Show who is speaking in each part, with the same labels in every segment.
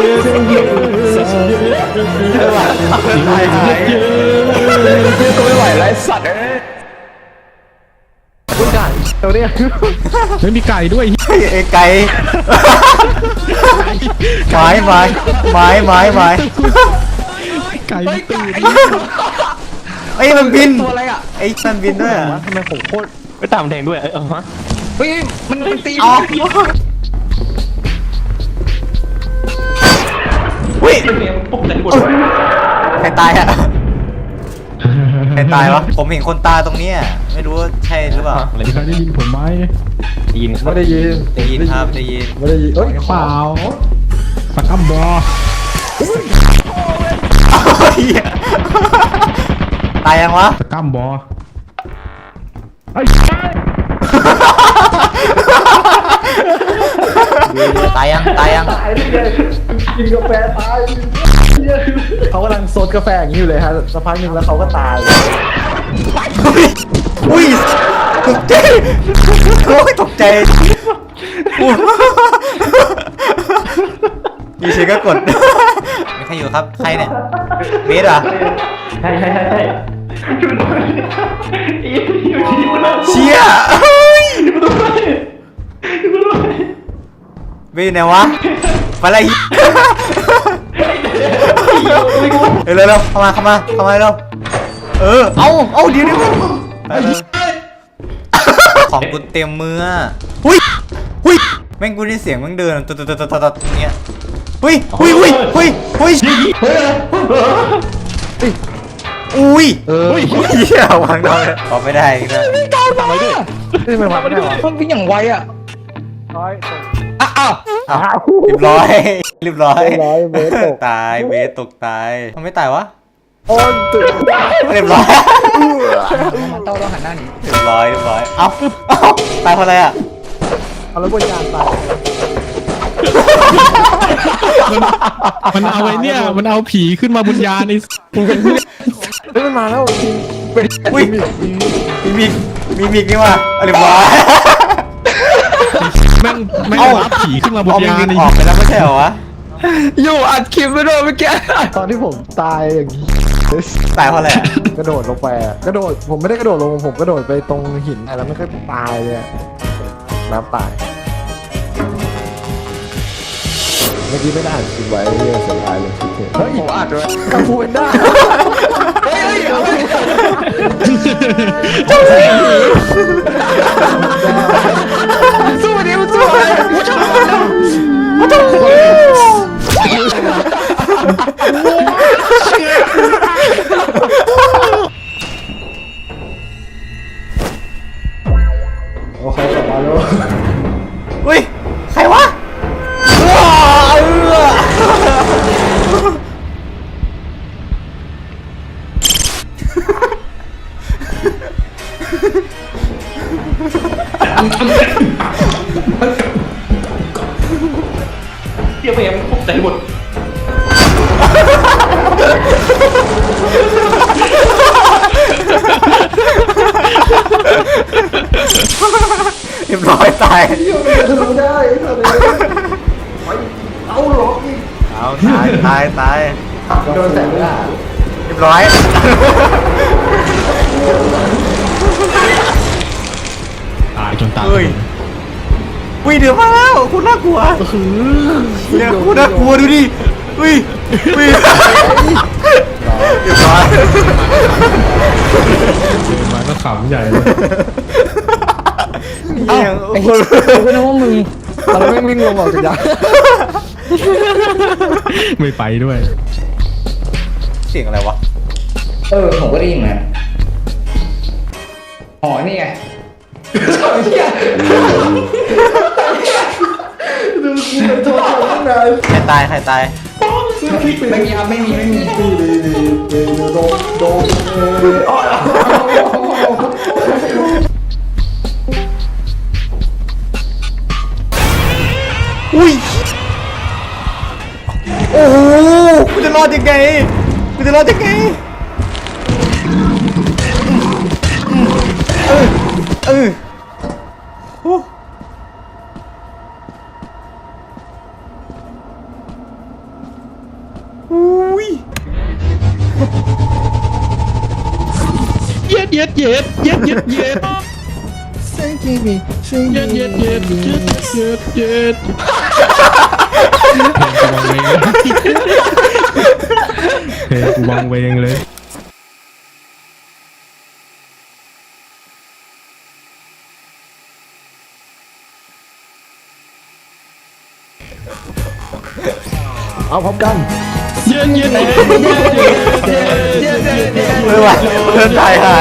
Speaker 1: ไม่ไหวไรสัตว์คุณไก่ตัวเนี้ยไม่มีไก่ด้วย
Speaker 2: ไอ้ไก่ไม้
Speaker 1: ไก่ตื่น
Speaker 2: ไอ้มันบิน
Speaker 1: ตัวอะไรอ่ะ
Speaker 2: ไอ้มันบินด้วยอ่ะ
Speaker 1: ทำไมผมโคตรไปตามแทงด้วยฮะเฮ้ยมันตี
Speaker 2: วิ่งใครตายอ่ะใครตายวะผมเห็นคนตายตรงนี้ไม่รู้ว่าใช่หรือเปล่า
Speaker 1: ใครได้ยินผมไหมได้ยินไม่ได้ยิน
Speaker 2: ได้ยินครับได้ยิน
Speaker 1: ไม่ได้ยินเอ้ยเปล่าสกัมบอ
Speaker 2: ตายยังวะ
Speaker 1: สกัมบอ
Speaker 2: ตายยัง
Speaker 1: กินกาแฟตายเขากำลังซดกาแฟอย่างนี้อยู่เลยฮะสักพักหนึ่งแล้วเขาก็ตาย
Speaker 2: อุ้ยตกใจโอ้ยตกใจมีเสียงก็กดมีใครอยู่ครับใครเนี่ยเบสเหรอ
Speaker 1: ใช่
Speaker 2: เชี่ยเบสไหนวะอะไรเร็วเข้ามาเร็วเอาเดี๋ยวของกูเต็มมือหุ้ยแม่งกูได้เสียงแม่งเดินตรงเนี้ยหุ้ยอุ้ยเหี้ยวางน้อยขอไม่ได้นะ
Speaker 1: ทำไมด้วยไม่มาไม่ได้มันวิ่งอย่างไวอ่ะอ้าว
Speaker 2: เรียบร้อยเบสตกตายทำไมตายวะเรียบร้อย
Speaker 1: ต้องหันหน้าหนี
Speaker 2: เรียบร้อยเอ้าตายเพราะอะไรอ่ะ
Speaker 1: เอาแล้วบนยานตายมันเอาไอ้เนี่ยมันเอาผีขึ้นมาบนยานนี่มันมาแล้ว
Speaker 2: อุ้ยมีมิกนี่ว่ะเรียบร้อย
Speaker 1: แม่งรับผีขึ้นมาบนยาน
Speaker 2: นี่ออกไปแล้วไม่ใช่เหรอวะ
Speaker 1: อยู่อัดคลิปไม่โดนเมื่อกี้ตอนที่ผมตายอย่างนี้
Speaker 2: ตายเพราะอะไร
Speaker 1: กระโดดลงไปผมไม่ได้กระโดดลงผมกระโดดไปตรงหินแล้วมันก็ตายเลยน้ำตายเมื่อกี้ไม่ได้อ่านคลิปไว้เรื่องเสียดายเลยเฮ้ยผมอ่านด้วยกังฟูเป็นได้สู้ดิมันสู้เลยโอเคกลับมาแล้ว
Speaker 2: อุ้ยใครวะ
Speaker 1: เดี๋ยวพยายามพบใจหมด
Speaker 2: เรียบร้อยตาย
Speaker 1: ทำได้เอาหรอก
Speaker 2: เอาตาย
Speaker 1: โดนแสงล่ะ
Speaker 2: เรียบร้อย
Speaker 1: ตายจนตาย
Speaker 2: วิ่งเดี๋ยวมาแล้วคุณน่ากลัวเนี่ยคุณน่ากลัวดูดิวิ่งเรียบร้อย
Speaker 1: มาก็ขำใหญ่เลย
Speaker 2: ไอ้คน
Speaker 1: ไม่รู้ว่ามึงเราไม่วิ่งลงออกจากยานไม่ไปด้วย
Speaker 2: เสียงอะไรวะ
Speaker 1: ผมก็ได้ยินนะอ๋อนี่ไงดูกูเป็นตัวตั้งนาน
Speaker 2: ใครตาย
Speaker 1: ไม่มีครับไม่มีโด
Speaker 2: อุ้ยโอ้โหกูจะรอดยังไงอุ้ย
Speaker 3: เย็ดเย็ดเย็ดเย็ดเย็ดเย็ด
Speaker 1: Say Jimmy Say
Speaker 3: เย็ดเย็ดเย็ดเย็ดเย็ดเย็ดเพลงกูวางเวงเลย
Speaker 1: เอาพร้อมกัน
Speaker 3: เย็ดเย็ดเย็ดเย็ดเย็ดเย็ดเย็ด
Speaker 2: ไม่ไหวเพื่อนถ่ายหาย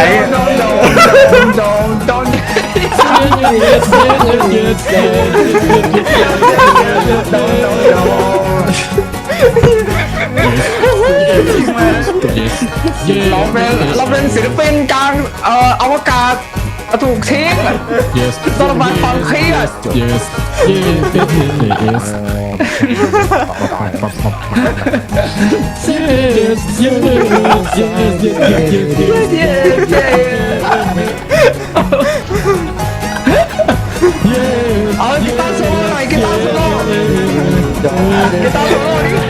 Speaker 4: เราเป็นศิลปินกลางอวกาศถูกทิ้ง
Speaker 3: yes
Speaker 4: ต้องระบายความเครียด
Speaker 3: yes yes yes
Speaker 4: เอากีตาร์โซโล่หน่อยกีตาร์โซโล่กีตาร์โซโล่นี่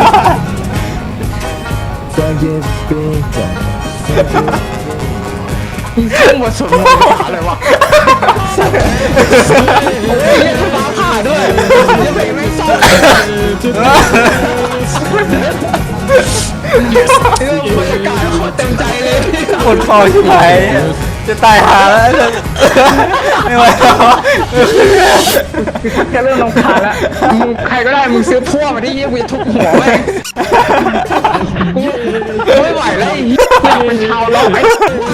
Speaker 1: Say Jimmy
Speaker 4: ขึ้นบทสวดมนต์อะไรวะโอ้ยฟ้าผ่าด้วยยังเพลงไม่ซ้อมบรรยากาศขอเต็มใจเลย
Speaker 2: ปวดคอชิบหายจะตายหาแล้วไม่ไหวแล้ว
Speaker 4: จะเริ่มรำคาญแล้วมึงใครก็ได้มึงซื้อพ่วงมาที่ยี่วีทุบหัวแม่งไม่ไหวแล้วไอ้เหี้ยอยากเป็นชาวล็อกไอ้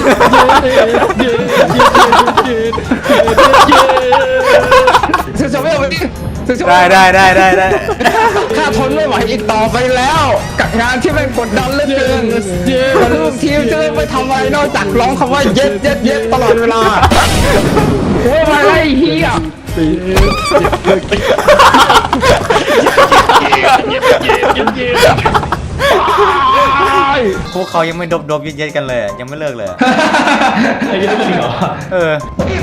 Speaker 4: ซื้อจะไม่เอาไปดิซื้อจะ
Speaker 2: ได้
Speaker 4: ข้าทนไม่ไหวอีกต่อไปแล้ว กับงานที่มันกดดันเหลือเกินแต่ลูกทีมจะไม่ทำอะไรนอกจากร้องคำว่าเย็ดเย็ดเย็ดตลอดเวลาโอ้ยมาไล่เฮีย
Speaker 2: พวกเขายังไม่ดบเย็นๆกันเลยอะยังไม่เลิกเลยอะ
Speaker 3: ไอ้ยังไม่จริงเหรอ
Speaker 2: เออ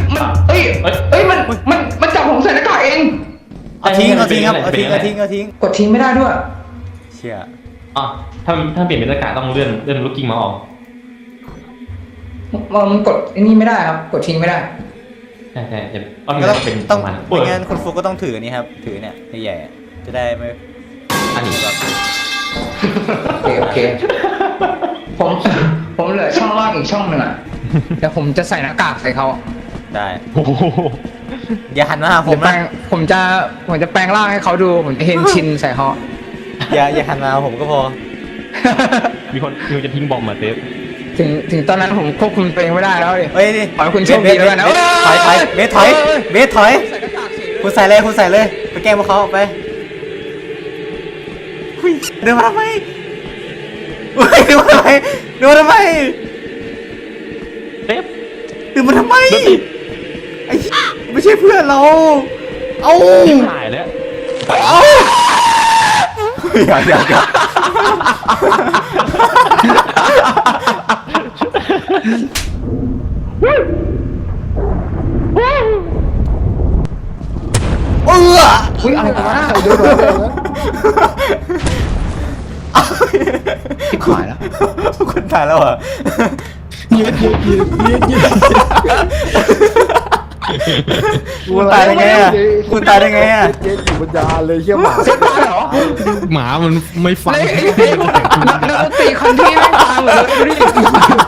Speaker 4: มันจับผมใส่หน้ากากเอง
Speaker 2: เอาทิ้งครับเอาทิ้ง
Speaker 4: กดทิ้งไม่ได้ด้วย
Speaker 2: เชี่ย
Speaker 3: อ่ะถ้าเปลี่ยนเป็นหน้ากากต้องเลื่อนลูกกิ้งมาออก
Speaker 4: มันกดไอ้นี่ไม่ได้ครับ กดทิ้งไม่ได้
Speaker 3: ใช่จะต้อง
Speaker 2: ก็ต้อง
Speaker 3: เป็น
Speaker 2: ต้อง
Speaker 3: มัน
Speaker 2: ไม่งั้นคุณฟุกก็ต้องถืออันนี้ครับถือเนี่ยใหญ่ๆอะจะได้ไม่
Speaker 3: อันนี้
Speaker 2: แบบ
Speaker 4: โอเคผมเหลือช่องว่างอีกช่องหนึ่งอ่ะเดี๋ยวผมจะใส่หน้ากากใส่เขา
Speaker 2: ได้
Speaker 3: โอ้โห
Speaker 2: อย่าหันมาหาผม
Speaker 4: แปล
Speaker 2: นะ
Speaker 4: งผมจะแปลงร่างให้เขาดูผมจะเห็นชินใส่เขา
Speaker 2: อย่าหันมาหาผมก็พอ
Speaker 3: มีคนจะทิ้งบอมมาเซฟ
Speaker 4: ถึงตอนนั้นผมควบคุมตัวเองไม่ได้แล้วดิ
Speaker 2: เฮ้ยนี่
Speaker 4: ขอให้คุณโชคดีแล้วกันนะ
Speaker 2: เบสถอยเบสถอย
Speaker 4: ใส่หน้ากากสิ
Speaker 2: คุณใส่เลยไปแกล้งพวกเขาออกไปหุ้ยเดินมาทำไมเฮ้ยเดินมาทำไม
Speaker 3: เซฟ
Speaker 2: เดินมาทำไมไอ้เหี้ยไม่ใช่เพื่อนเราเอ้า
Speaker 3: ถ่ายแล้ว
Speaker 2: เอ้าอย่า
Speaker 4: อุ้ยอะไรกันวะ
Speaker 1: เดี๋ยวนะ
Speaker 4: ทิพหายแล้ว
Speaker 2: คนตายแล้วเหรอ
Speaker 3: ยืด
Speaker 2: คุณตายได้ไงอ่ะคุณตายได้ไงอ่ะ
Speaker 1: เจ๊อยู่บนยานเลยเชี่ยหมา
Speaker 4: เซ็ตได้เหรอ
Speaker 3: หมามันไม่ฟัง
Speaker 4: เลยไอ้นักดนตรีคนที่ไม่ฟังเลยดูดิ